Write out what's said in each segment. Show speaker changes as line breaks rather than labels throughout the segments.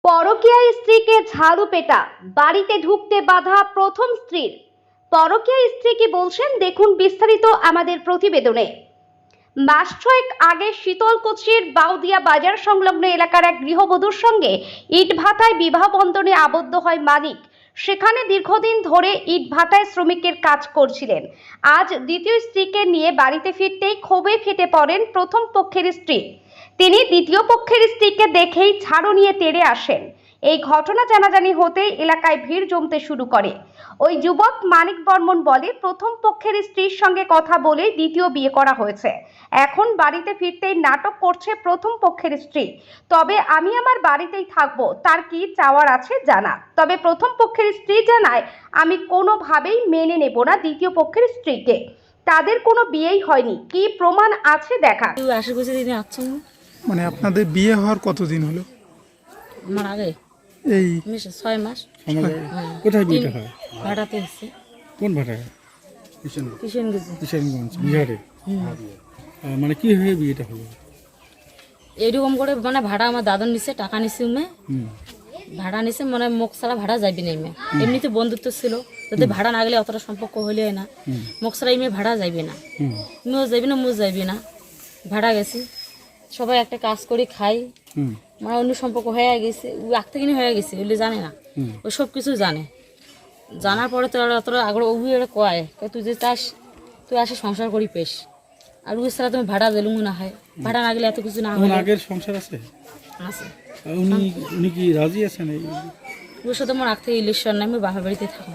পরকীয়া স্ত্রীকে ঝাড়ু পেটা, বাড়িতে ঢুকতে বাধা প্রথম স্ত্রীর। পরকীয়া স্ত্রী কি বলছেন দেখুন বিস্তারিত আমাদের প্রতিবেদনে। মাস ছয়েক আগে শীতলকুচির বাউদিয়া বাজার সংলগ্ন এলাকার এক গৃহবধূর সঙ্গে ইটভাটায় বিবাহ বন্ধনে আবদ্ধ হয় মানিক। সেখানে দীর্ঘদিন ধরে ইটভাটায় শ্রমিকের কাজ করছিলেন। আজ দ্বিতীয় স্ত্রীকে নিয়ে বাড়িতে ফিরতেই ক্ষোভে ফেটে পড়েন প্রথম পক্ষের স্ত্রী। তিনি দ্বিতীয় পক্ষের স্ত্রীকে দেখেই ঝাড়ু নিয়ে তেড়ে আসেন। এই ঘটনা জানাজানি হতেই এলাকায় ভিড় জমতে শুরু করে। ওই যুবক মানিক বর্মন বলে, প্রথম পক্ষের স্ত্রীর সঙ্গে কথা বলেই দ্বিতীয় বিয়ে করা হয়েছে। এখন বাড়িতে ফিরতেই নাটক করছে প্রথম পক্ষের স্ত্রী। তবে আমি আমার বাড়িতেই থাকবো, তার কি চাওয়ার আছে জানা। তবে প্রথম পক্ষের স্ত্রী জানায়, আমি কোনোভাবেই মেনে নেব না দ্বিতীয় পক্ষের স্ত্রীকে। তাদের কোনো বিয়েই হয়নি, কি প্রমাণ আছে দেখা।
মানে আপনাদের বিয়ে হওয়ার কতদিন হলো?
আমার আগে
এই
6 মাস।
কোথায় বিয়েটা হয়?
ভাড়াতে এসছে।
কোন ভাটায়?
কিষেনগঞ্জ
বিহারে। মানে কি হয়ে বিয়েটা হলো?
এরকম করে মানে ভাড়া আমার দাদন নিছে, টাকা নিছে উমে ভাড়া নিছে, মানে মুখ ছাড়া ভাড়া যাবি না। ইমে এমনিতে বন্ধুত্ব ছিল, যদি ভাড়া না গেলে অতটা সম্পর্ক হলে না, মুখ ছাড়া ইমে ভাড়া যাইবে না, তুমিও যাবি না, মুও যাইবি না। ভাড়া গেছি, সবাই একটা কাজ করি খাই, মানে অন্য সম্পর্ক হয়ে গেছে, আগ থেকে হয়ে গেছে, ওগুলো জানে না, ও সব কিছু জানে। জানার পরে তো অতটা আগ্রহ কয়, তুই যে চাস তুই আসে সংসার করি পেশ, আর ওই ছাড়া তুমি ভাড়া দিলুম না হয়, ভাড়া না গেলে এত কিছু না হয়।
আগের সংসার আছে?
আছে।
উনি কি রাজি আছেন?
ওর সাথে আমার আগ থেকে ইলেকশন নাই, আমি বাবার বাড়িতে থাকুন।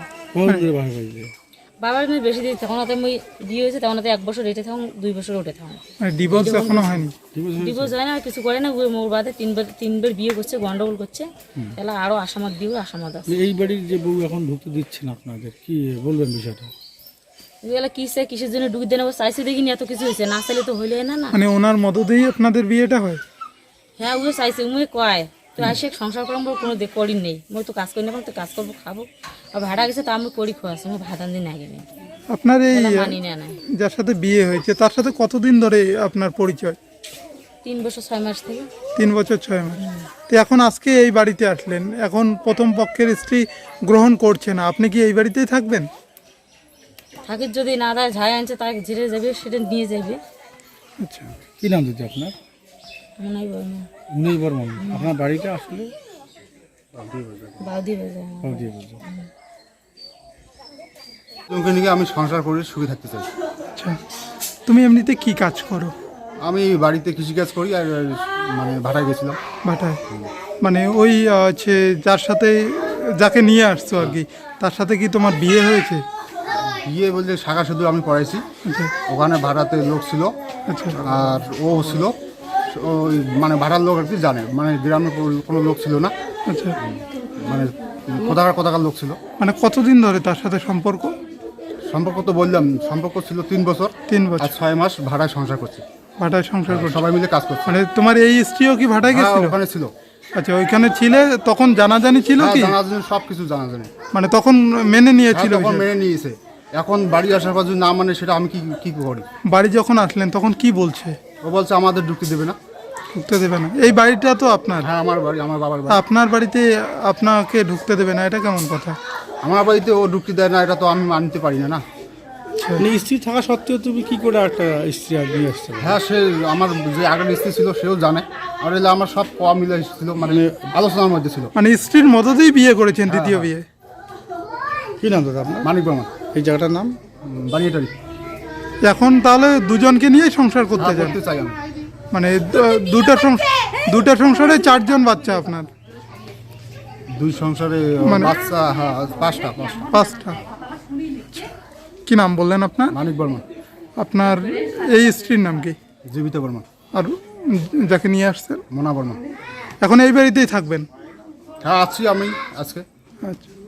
বাবার বাড়িতে বেশি দিন তখন আমি বিয়ে হয়েছে, তখন 1 বছর রেটে থাকুন, 2 বছর ওঠে থাকুন।
ডিভোর্স এখনো হয়নি?
ডিভোর্স হয় না, কিছু করে না। মোর বাদে 3বার বিয়ে করছে, গন্ডগোল করছে, তাহলে আরো আসামত দিব, আসামত আছে।
এই বাড়ির যে বউ এখন ঢুকতে দিচ্ছে না আপনাদের, কি বলবেন বিষয়টা?
এগুলো কিসের জন্য ঢুকে দেন, চাইছে দেখিনি, এত কিছু হয়েছে, না চাইলে তো হইলে না।
মানে ওনার মদতেই আপনাদের বিয়েটা হয়?
হ্যাঁ, ও চাইছে, উমে কয় তো আসে সংসার করলাম, কোনো করি নেই, মই তো কাজ করি না, তো কাজ করবো খাবো, আর ভাড়া গেছে তা আমি করি খোয়াছি, আমি ভাতান দিন আগে নেই।
আপনার এই
মানি না,
যার সাথে বিয়ে হয়েছে তার সাথে কতদিন ধরে আপনার পরিচয়?
3 বছর 6 মাস থেকে।
3 বছর 6 মাস। তো এখন আজকে এই বাড়িতে আসলেন, এখন প্রথম পক্ষের স্ত্রী গ্রহণ করছে না, আপনি কি এই বাড়িতেই থাকবেন?
থাকির যদি না দেয়, ঝাই আনছে তাকে ঝেড়ে যাবে, সেটা নিয়ে যাবে।
আচ্ছা,
কি নাম দিচ্ছে আপনার? মুনাই বর্মন। আপনার বাড়িটা আসলে
বাউদি বাজার।
তোমাকে নিয়ে আমি সংসার করে সুখে থাকতে চাই।
আচ্ছা, তুমি এমনিতে কি কাজ করো?
আমি বাড়িতে কৃষিকাজ করি, আর মানে ভাড়ায় গেছিলাম।
বাটায়? মানে ওই হচ্ছে যার সাথে, যাকে নিয়ে আসছো আর কি, তার সাথে কি তোমার বিয়ে হয়েছে?
বিয়ে বলতে শাখা শুধু আমি পড়াইছি।
আচ্ছা
ওখানে ভাড়াতে লোক ছিল,
আচ্ছা।
আর ও ছিল ওই মানে ভাড়ার লোক আর কি জানে, মানে গ্রামের কোনো লোক ছিল না,
আচ্ছা,
মানে কোথাকার লোক ছিল।
মানে কতদিন ধরে তার সাথে সম্পর্ক?
সম্পর্ক তো বললাম, সম্পর্ক ছিল 3 বছর।
3
আর
বছর
6 মাস ভাড়ায় সংসার করছি,
ভাটায় সংসার করছো?
সবাই মিলে কাজ করছি।
মানে তোমার এই স্ত্রীও কি ভাটায়
হ্যাঁ,
গেছিল?
ওখানে ছিল।
আচ্ছা, ওইখানে ছিলে তখন জানাজানি ছিল কি?
জানাজানি, সব কিছু জানাজানি।
মানে তখন মেনে নিয়েছিল?
তখন মেনে নিয়েছে, এখন বাড়ি আসার পর যদি না মানে সেটা আমি কি করি?
বাড়ি যখন আসলেন তখন কি বলছে?
ও বলছে আমাদের ঢুকতে দেবে না।
ঢুকতে দেবে না? এই বাড়িটা তো আপনার?
হ্যাঁ, আমার বাড়ি, আমার বাবার বাড়ি।
আপনার বাড়িতে আপনাকে ঢুকতে দেবে না, এটা কেমন কথা?
আমার বাড়িতে ও ঢুকতে দেয় না, এটা তো আমি মানতে পারি না।
মানে স্ত্রী থাকা সত্ত্বেও তুমি কি করে একটা স্ত্রী আর নিয়ে আসতে?
হ্যাঁ, সে আমার যে আগের স্ত্রী ছিল সেও জানে, আর এলে আমার সব মিলে ছিল, মানে আলোচনার মধ্যে ছিল।
মানে স্ত্রীর মদতেই বিয়ে করেছেন? দ্বিতীয় বিয়ে?
কি নাম দাদা আপনার?
মানিক বর্মন।
এই জায়গাটার নাম?
বানিয়েটারি।
এখন তাহলে দুজনকে নিয়েই সংসার করতে চান?
করতে চাই আমি।
মানে দুটা সংসারে 4 জন বাচ্চা আপনার?
2 সংসারে
মানে-
বাচ্চা, হ্যাঁ, 5টা।
5টা। কি নাম বললেন আপনার?
মানিক বর্মন।
আপনার এই স্ত্রীর নাম কি?
জীবিত বর্মন।
আর যাকে নিয়ে আসছেন?
মোনা বর্মন।
এখন এই বাড়িতেই থাকবেন?
হ্যাঁ, আছি আমি আজকে।
আচ্ছা।